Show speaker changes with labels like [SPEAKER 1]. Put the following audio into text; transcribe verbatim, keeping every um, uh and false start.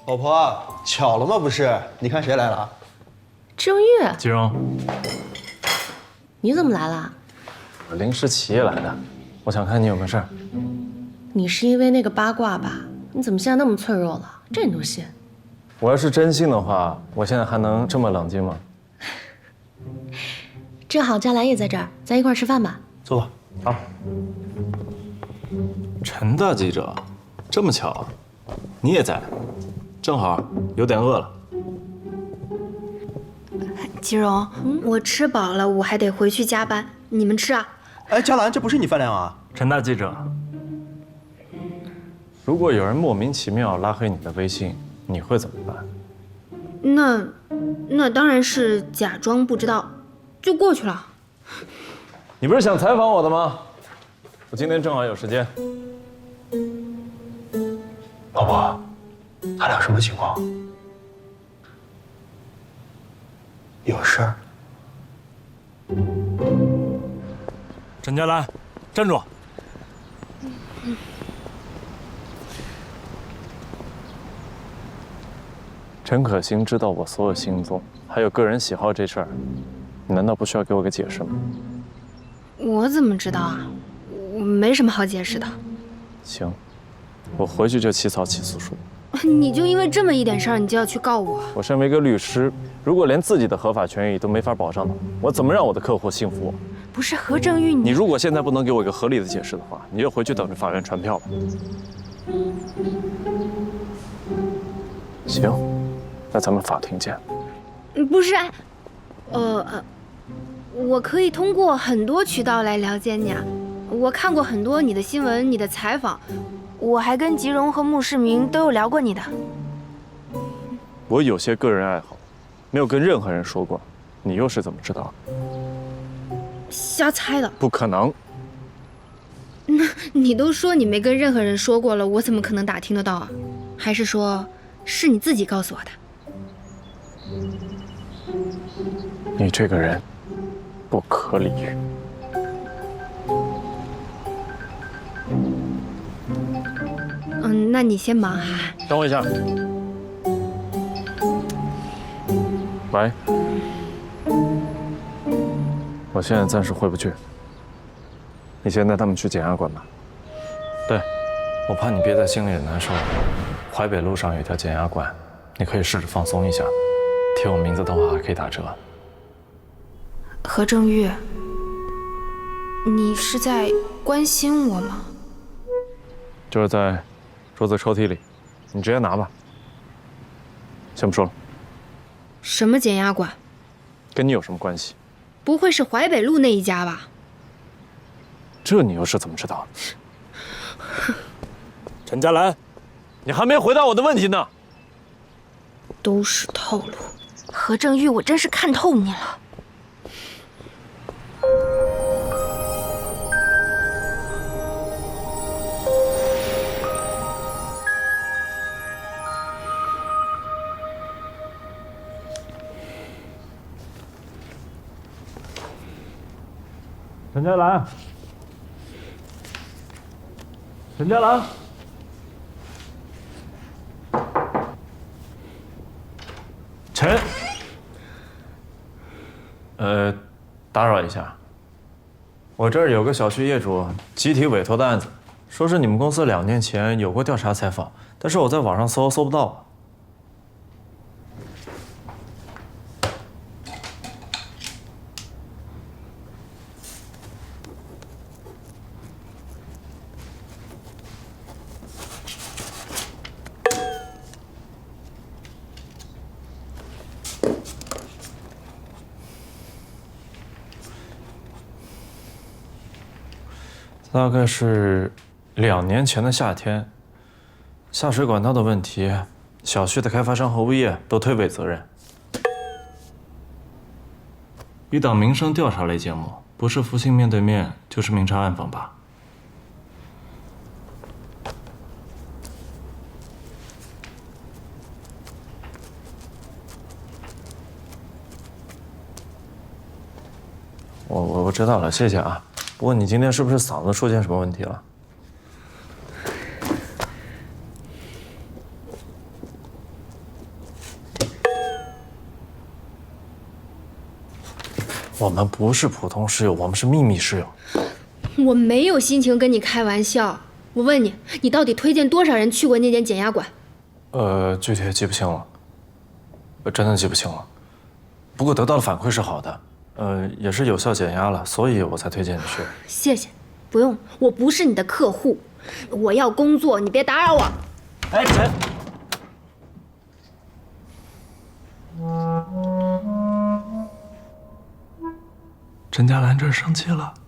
[SPEAKER 1] 老婆，巧了吗？不是，你看谁来了？
[SPEAKER 2] 郑玉，
[SPEAKER 3] 季荣，
[SPEAKER 2] 你怎么来了？
[SPEAKER 3] 我临时起夜来的，我想看你有没有事儿。
[SPEAKER 2] 你是因为那个八卦吧？你怎么现在那么脆弱了？这你都信？
[SPEAKER 3] 我要是真信的话，我现在还能这么冷静吗？
[SPEAKER 2] 正好佳兰也在这儿，咱一块儿吃饭吧。
[SPEAKER 1] 坐吧。
[SPEAKER 3] 好。陈大记者，这么巧，你也在，正好有点饿了。
[SPEAKER 4] 季荣，嗯、我吃饱了，我还得回去加班。你们吃啊？
[SPEAKER 1] 哎，佳兰，这不是你饭量啊！
[SPEAKER 3] 陈大记者，如果有人莫名其妙拉黑你的微信，你会怎么办？
[SPEAKER 4] 那，那当然是假装不知道，就过去了。
[SPEAKER 3] 你不是想采访我的吗？我今天正好有时间。
[SPEAKER 1] 老婆，他俩什么情况？有事儿？
[SPEAKER 3] 陈佳兰，站住！陈可辛知道我所有行踪，还有个人喜好这事儿，你难道不需要给我个解释吗？
[SPEAKER 4] 我怎么知道啊？我没什么好解释的。
[SPEAKER 3] 行，我回去就起草起诉书。
[SPEAKER 4] 你就因为这么一点事儿，你就要去告我？
[SPEAKER 3] 我身为一个律师，如果连自己的合法权益都没法保障的，我怎么让我的客户信服我？
[SPEAKER 4] 不是何正玉，
[SPEAKER 3] 你如果现在不能给我一个合理的解释的话，你就回去等着法院传票吧。行，那咱们法庭见。
[SPEAKER 4] 不是，呃呃，我可以通过很多渠道来了解你啊。我看过很多你的新闻、你的采访，我还跟吉荣和穆世明都有聊过你的。
[SPEAKER 3] 我有些个人爱好，没有跟任何人说过，你又是怎么知道？
[SPEAKER 4] 瞎猜的。
[SPEAKER 3] 不可能。
[SPEAKER 4] 那你都说你没跟任何人说过了，我怎么可能打听得到啊？还是说，是你自己告诉我的？
[SPEAKER 3] 你这个人不可理喻。
[SPEAKER 4] 嗯，那你先忙哈。
[SPEAKER 3] 等我一下。喂，我现在暂时回不去，你先带他们去检察馆吧。对，我怕你憋在心里难受。淮北路上有条检察馆，你可以试着放松一下，贴我名字的话还可以打折。
[SPEAKER 4] 何正玉，你是在关心我吗？
[SPEAKER 3] 就是在桌子抽屉里，你直接拿吧。先不说了。
[SPEAKER 4] 什么检察馆？
[SPEAKER 3] 跟你有什么关系？
[SPEAKER 4] 不会是淮北路那一家吧？
[SPEAKER 3] 这你又是怎么知道的？陈佳兰，你还没回答我的问题呢。
[SPEAKER 4] 都是套路。何正玉，我真是看透你了。
[SPEAKER 3] 陈佳兰，陈佳兰，陈，呃，打扰一下，我这儿有个小区业主集体委托的案子，说是你们公司两年前有过调查采访，但是我在网上搜搜不到。大概是两年前的夏天，下水管道的问题，小区的开发商和物业都推诿责任。一档民生调查类节目，不是福星面对面，就是明察暗访吧。我我我知道了，谢谢啊。不过你今天是不是嗓子出现什么问题了？ 我们不是普通室友，我们是秘密室友。
[SPEAKER 4] 我没有心情跟你开玩笑。我问你，你到底推荐多少人去过那间减压馆？
[SPEAKER 3] 呃，具体也记不清了，呃真的记不清了。不过得到的反馈是好的，呃，也是有效减压了，所以我才推荐你去。
[SPEAKER 4] 谢谢，不用，我不是你的客户，我要工作，你别打扰我。
[SPEAKER 3] 哎，陈。陈嘉兰这生气了。